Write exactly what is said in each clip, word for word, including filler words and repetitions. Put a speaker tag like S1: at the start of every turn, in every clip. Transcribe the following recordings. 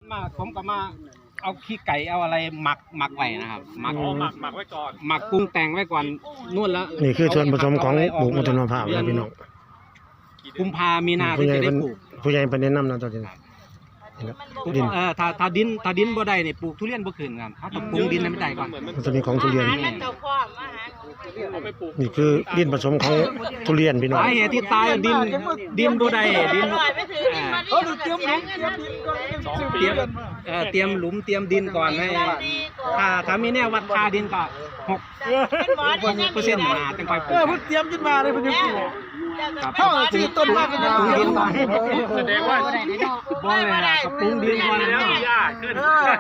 S1: มาผมก็มาเอาขี้ไก่เอาอะไรหมักหมักไว้นะครับหมัก
S2: อ๋อหมักหมักไว้ก่อน
S1: หมักปรุงแต่งไว้ก่อนนู่นแล้ว
S3: นี่คือส่วนผสมของปลูกมัทุนมะพร้าวนะพี่น้อง
S1: กุมภามีนา
S3: ผู้
S1: ที่
S3: ใหญ่
S1: จะได้
S3: เป็น
S1: ปลูก
S3: ผู้ใหญ่เป็นแนะนำนะตอนนี้ดิน
S1: เออถ้าถ้าดินถ้าดินบ่ได้นี่ปลูกทุเรียนบ่ขึ้นครับเขาต้องปรุงดินให้มันได้ก่อน
S3: มันจะมีของทุเรียน
S2: เอาไปปลูก
S3: นี่คือดินผสมของทุเรียนพี่น้อง
S1: สาเหตุที่ตายดินดินบ่ได้ดิน
S4: เขาเตรียมหลุมเตรียมดินก่อน
S1: เตรียมเอ่อเตรียมหลุมเตรียมดินก่อนให้ถ้าถ้ามีแนววัดค่าดินก็หกเปอร์เซ็นต์มาจังค่อยป
S4: เอ
S1: ลู
S4: อก เพิ่งเตรียมขึ้นมาเลยเพิ่งปลูก
S1: ครับ
S4: เข้าที่ต้นมาเป็นยัง
S1: ปรุง
S4: ไง
S1: ดินก่อน
S2: แสดงว่า
S1: บ่เลยล่ะก็ปรุงดินก่อน
S2: แล้
S1: แล้ว ว
S2: หญ้าขึ้น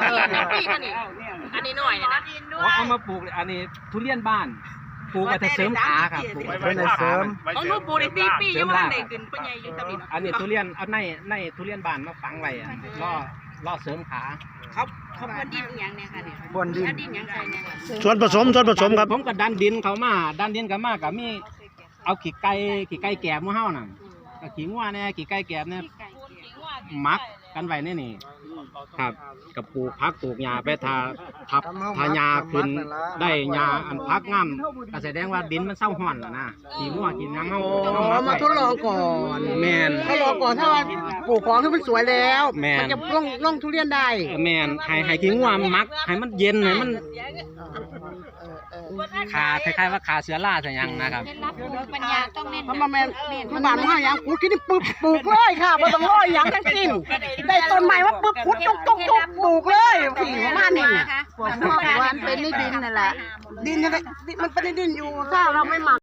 S5: อันนี้หน่อยนะ
S1: เอามาปลูกอันนี้ทุเรียนบ้านปลูกไว้แต่เสริมขาครับปลูก
S2: ไว้
S1: ไว้
S2: ไว้เสริมไว้
S5: ของ
S2: เส
S5: ห
S2: ริ
S5: นู
S2: ม
S5: ปลูกได้สี่ปียังไม่ได้ขึ้นปัญญาอยู่ตำลิน
S1: อันนี้ทุเรียนเอาในในทุเรียนบ้านมาฝังไว้อะล่อล่อเสริมขา
S5: เขาเขาบนดินอย่างเนี่ยค่ะเนี่ย
S4: บนดิน
S5: แล้วดินอย่างไรเนี่ย
S3: ส่วนผสมส่วนผสมครับ
S1: ผมก็ดันดินเขามาดันดินเขามาก็มีเอาขี้ไก่ขี้ไก่แกบหมู่เฮาน่ะก็ขี้งัวเนี่ยขี้ไก่แกบเนี่ยหมักกันไว้ในนี่ครับกับปลูกพักปลูกหญ้าไปทาทับทาหญ้าขึ้นได้หญ้าอันพักงามก็แสดงว่าดินมันเศร้าห่อนแล้วนะขี้งัวกินหยังเฮา
S4: อ๋อมาทดลองก่อน
S1: แม่น
S4: ทดลองก่อนถ้าว่าปลูกของที่มันสวยแล้ว
S1: แม่น
S4: มันจะลงลงทุเรียนได้
S1: แม่นให้ให้ขี้งัวมันหมักให้มันเย็นให้มันขาคล้ายๆว่าขาเสือล่าแต่ยังนะครับ
S5: ปัญญาต้องเน้น
S4: เพราะมันแม่นมันบานมาอย่างปลูกที่นี่ปลูกปลูกเลยค่ะไม่ต้องรออย่างทั้งสิ้นได้ต้นใหม่ว่าปุ๊บพุดจุกจุกจุกปลูกเลยสี่ประมาณนี้
S5: ปวดหัววันเป็นในดินนั่นแหละ
S4: ดินยังไงมันเป็นดินอยู่ถ้าเราไม่หมัก